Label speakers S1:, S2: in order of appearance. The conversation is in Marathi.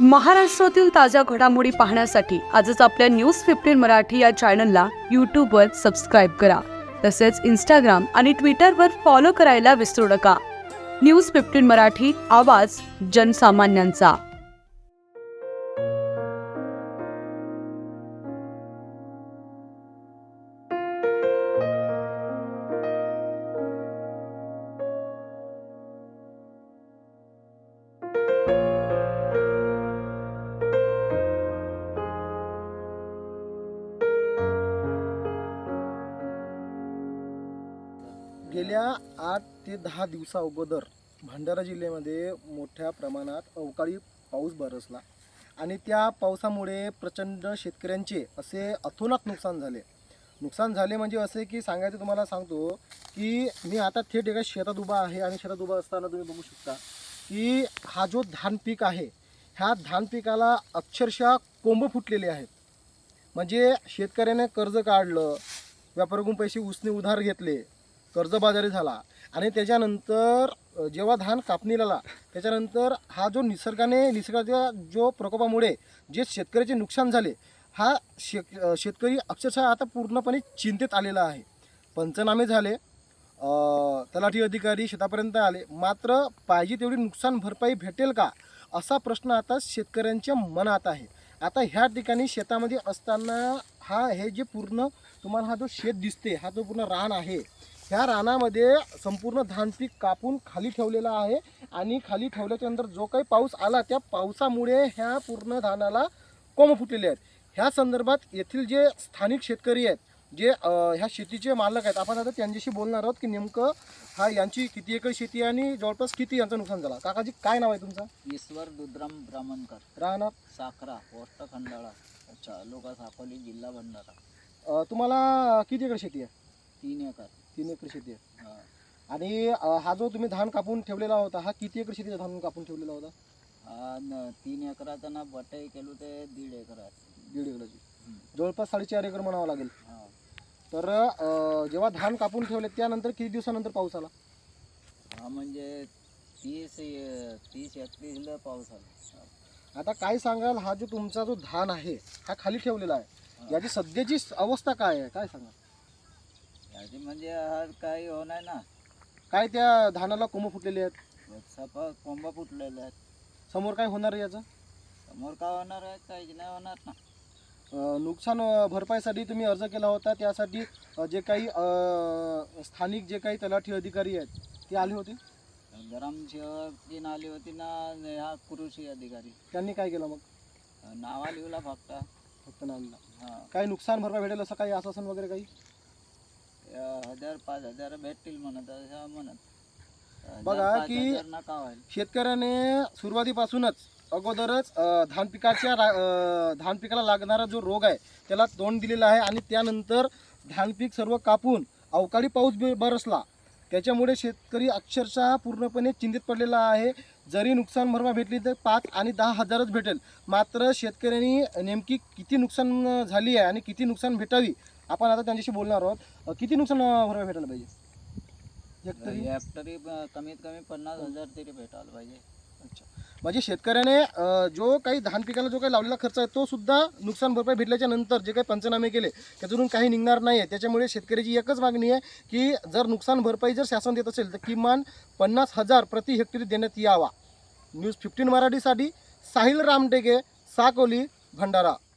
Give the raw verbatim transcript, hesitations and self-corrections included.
S1: महाराष्ट्रातील ताज्या घडामोडी पाहण्यासाठी आजच आपल्या न्यूज फिफ्टीन मराठी या चॅनलला यूट्यूबवर सबस्क्राईब करा. तसेच इंस्टाग्राम आणि ट्विटरवर फॉलो करायला विसरू नका. न्यूज फिफ्टीन मराठी, आवाज जनसामान्यांचा.
S2: गेल्या आठ ते दहा दिवसा अगोदर भंडारा जिल्ह्यामध्ये मोठ्या प्रमाणात अवकाळी पाऊस बरसला आणि त्या पावसामुळे प्रचंड शेतकऱ्यांचे असे अतोनात नुकसान झाले. नुकसान झाले म्हणजे असे की सांगायचं तुम्हाला सांगतो की मी आता थेट एका शेतात उभा आहे आणि शेतात उभा असताना तुम्ही बघू शकता की हा जो धान पीक आहे, ह्या धान पिकाला अक्षरशः कोंब फुटलेले आहेत. म्हणजे शेतकऱ्याने कर्ज काढलं, व्यापाऱ्याकडून पैसे उसने उधार घेतले, कर्जबाजारी झाला आणि त्याच्यानंतर जेव्हा धान कापणीला आला त्याच्यानंतर हा जो निसर्गाने निसर्गाच्या जो प्रकोपामुळे जे शेतकऱ्याचे नुकसान झाले, हा शे शेतकरी अक्षरशः आता पूर्णपणे चिंतेत आलेला आहे. पंचनामे झाले, तलाठी अधिकारी शेतापर्यंत आले, मात्र पाहिजे तेवढी नुकसान भरपाई भेटेल का असा प्रश्न आता शेतकऱ्यांच्या मनात आहे. आता ह्या ठिकाणी शेतामध्ये असताना हा हे जे पूर्ण तुम्हाला हा जो शेत दिसते, हा जो पूर्ण रान आहे, ह्या रानामध्ये संपूर्ण धान पीक कापून खाली ठेवलेला आहे आणि खाली ठेवल्याच्यानंतर जो काही पाऊस आला त्या पावसामुळे ह्या पूर्ण धानाला कोंब फुटलेले आहेत. ह्या संदर्भात येथील जे स्थानिक शेतकरी आहेत, जे ह्या शेतीचे मालक आहेत, आपण आता त्यांच्याशी बोलणार आहोत की नेमकं हा यांची किती एकर शेती आणि जवळपास किती यांचं नुकसान झालं. काकाजी, काय नाव आहे तुमचं?
S3: ईश्वर दुधराम ब्राह्मणकर,
S2: राहणार
S3: साखरा, पोस्ट खंडाळा, तालुका साकोली, जिल्हा भंडारा.
S2: तुम्हाला किती एकर शेती आहे?
S3: तीन एकर.
S2: तीन एकर शेती आहे.
S3: हा.
S2: आणि हा जो तुम्ही धान कापून ठेवलेला होता, हा किती एकर शेतीचा धान कापून ठेवलेला होता?
S3: हा न तीन एकराचा ना बटाई केलो ते दीड एकर आहे.
S2: दीड एकराची, जवळपास साडेचार एकर म्हणावं लागेल.
S3: हा.
S2: तर जेव्हा धान कापून ठेवले त्यानंतर किती दिवसानंतर पाऊस आला?
S3: हा म्हणजे तीस तीस एकतीसला पाऊस आला.
S2: आता काय सांगाल, हा जो तुमचा जो धान आहे हा खाली ठेवलेला आहे, याची सध्याची अवस्था काय आहे, काय सांगा?
S3: याची म्हणजे हा काही होणार ना,
S2: काय त्या धानाला कोंब फुटलेले आहेत,
S3: सफा कोंबा फुटलेले आहेत.
S2: समोर काय होणार आहे याचं?
S3: समोर काय होणार आहे, काही नाही होणार ना.
S2: नुकसान भरपाईसाठी तुम्ही अर्ज केला होता, त्यासाठी जे काही स्थानिक जे काही तलाठी अधिकारी आहेत ते आले होते?
S3: ग्रामसेवक तीन आली होती ना, हा कृषी अधिकारी.
S2: त्यांनी काय केलं मग?
S3: नावा लिहला फक्त
S2: फक्त नावला.
S3: हां.
S2: काही नुकसान भरपाई भेटेल असं काही आश्वासन वगैरे काही?
S3: हजार पाच हजार भेटतील म्हणत असं म्हणत.
S2: बघा की शेतकऱ्याने सुरुवातीपासूनच अगोदरच धान पिकाच्या धान पिकाला लागणारा जो रोग आहे त्याला तोंड दिलेलं आहे आणि त्यानंतर धान पीक सर्व कापून अवकाळी पाऊस बरसला, त्याच्यामुळे शेतकरी अक्षरशः पूर्णपणे चिंतित पडलेला आहे. जरी नुकसान भरपाई भेटली तर पाच आणि दहा हजारच भेटेल, मात्र शेतकऱ्यांनी नेमकी किती नुकसान झाली आहे आणि किती नुकसान भेटावी आपण आता त्यांच्याशी बोलणार आहोत. किती नुकसान भरपाई भेटायला पाहिजे?
S3: हेक्टरी हेक्टरी कमीत कमी पन्नास हजार तरी भेटायला पाहिजे.
S2: अच्छा, म्हणजे शेतकऱ्याने जो काही धान पिकाला जो काही लावलेला खर्च आहे तो सुद्धा नुकसान भरपाई भेटल्याच्या नंतर जे काही पंचनामे केले त्यातून काही निघणार नाही आहे. त्याच्यामुळे शेतकऱ्याची एकच मागणी आहे की जर नुकसान भरपाई जर शासन देत असेल तर किमान पन्नास हजार प्रति हेक्टरी देण्यात यावा. न्यूज फिफ्टीन मराठीसाठी साहिल रामटेके, साकोली, भंडारा.